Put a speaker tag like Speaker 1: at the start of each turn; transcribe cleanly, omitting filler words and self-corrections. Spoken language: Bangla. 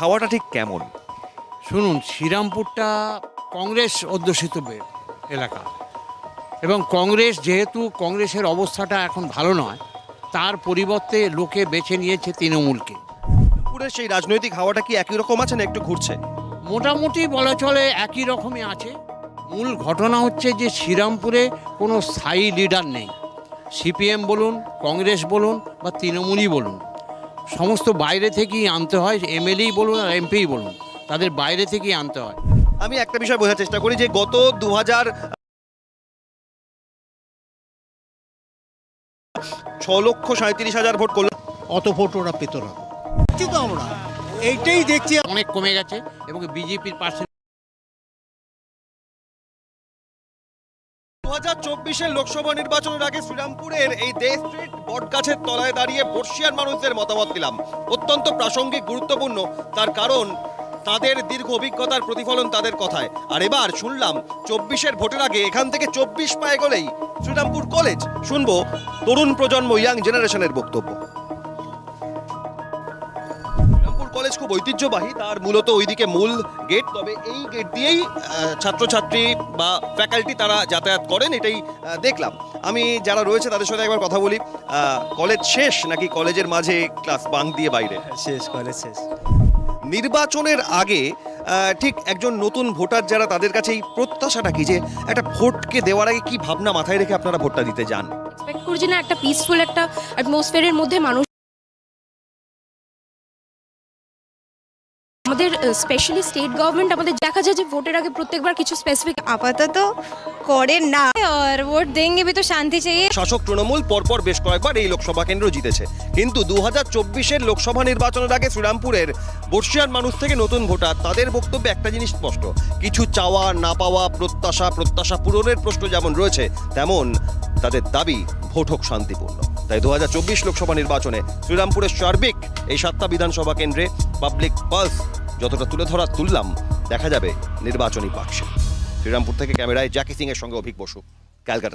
Speaker 1: হাওয়াটা ঠিক কেমন?
Speaker 2: শুনুন, শ্রীরামপুরটা কংগ্রেস অধ্যুষিত এলাকা, এবং কংগ্রেস, যেহেতু কংগ্রেসের অবস্থাটা এখন ভালো নয়, তার পরিবর্তে লোকে বেছে নিয়েছে তৃণমূলকে।
Speaker 1: পুরের সেই রাজনৈতিক হাওয়াটা কি একই রকম আছে না একটু ঘুরছে?
Speaker 2: মোটামুটি বলা চলে একই রকমই আছে। মূল ঘটনা হচ্ছে যে শ্রীরামপুরে কোনো স্থায়ী লিডার নেই। সিপিএম বলুন, কংগ্রেস বলুন বা তৃণমূলই বলুন, সমস্ত বাইরে থেকেই আনতে হয়। এমএলএই বলুন আর এমপিই বলুন, তাদের বাইরে থেকেই আনতে হয়।
Speaker 1: আমি একটা বিষয় বোঝার চেষ্টা করি যে গত 6,37,000 ভোট করল,
Speaker 3: অত ভোট ওরা পেত না। কিন্তু আমরা এইটাই দেখছি
Speaker 2: অনেক কমে গেছে এবং বিজেপির পাশে
Speaker 1: 2024-এর লোকসভা নির্বাচনের আগে শ্রীরামপুরের এই দে স্ট্রিট বটগাছের তলায় দাঁড়িয়ে বর্ষিয়ান মানুষদের মতামত দিলাম। অত্যন্ত প্রাসঙ্গিক, গুরুত্বপূর্ণ, তার কারণ তাদের দীর্ঘ অভিজ্ঞতার প্রতিফলন তাদের কথায়। আর এবার শুনলাম 24-এর ভোটের আগে এখান থেকে 24 পায়ে গেলেই শ্রীরামপুর কলেজ। শুনবো তরুণ প্রজন্ম, ইয়াং জেনারেশনের বক্তব্য। শ্রীরামপুর কলেজ খুব ঐতিহ্যবাহী, তার মূলত ওইদিকে মূল গেট, তবে এই গেট দিয়েই ছাত্রছাত্রী বা ফ্যাকাল্টি তারা যাতায়াত করেন, এটাই দেখলাম। আমি যারা রয়েছে তাদের সাথে একবার কথা বলি। কলেজ শেষ নাকি কলেজের মাঝে ক্লাস বাঙ্ক দিয়ে বাইরে?
Speaker 4: শেষ, কলেজ শেষ।
Speaker 1: নির্বাচনের আগে ঠিক একজন নতুন ভোটার যারা, তাদের কাছে এই প্রত্যাশাটা কি, যে একটা ভোটকে দেওয়ার আগে কি ভাবনা মাথায় রেখে আপনারা ভোটটা দিতে যান?
Speaker 5: এক্সপেক্ট করি যে না, একটা পিসফুল একটা অ্যাটমসফিয়ারের মধ্যে মানুষ, আমাদের স্পেশালি স্টেট গভর্নমেন্ট আমাদের দেখা যায় যে ভোটের আগে প্রত্যেকবার কিছু স্পেসিফিক
Speaker 6: আপাতত করেন না, আর ভোট দেंगे भी तो শান্তি चाहिए।
Speaker 1: শাসক তৃণমূল পরপর বেশ কয়েকবার এই লোকসভা কেন্দ্র জিতেছে, কিন্তু 2024-এর লোকসভা নির্বাচনের আগে শ্রীরামপুরের বর্ষিয়ান মানুষ থেকে নতুন ভোটার, তাদের বক্তব্যে একটা জিনিস স্পষ্ট, কিছু চাওয়া না পাওয়া, প্রত্যাশা পূরণের প্রশ্ন যেমন রয়েছে, তেমন তাদের দাবি ভোট হোক শান্তিপূর্ণ। তাই 2024 লোকসভা নির্বাচনে শ্রীরামপুরের সার্বিক এই 7টা বিধানসভা কেন্দ্রে পাবলিক পালস যতটা তুললাম, দেখা যাবে নির্বাচনী বাক্সে। শ্রীরামপুর থেকে ক্যামেরায় জ্যাকি সিং এর সঙ্গে অভিক বসু, ক্যালকাটা।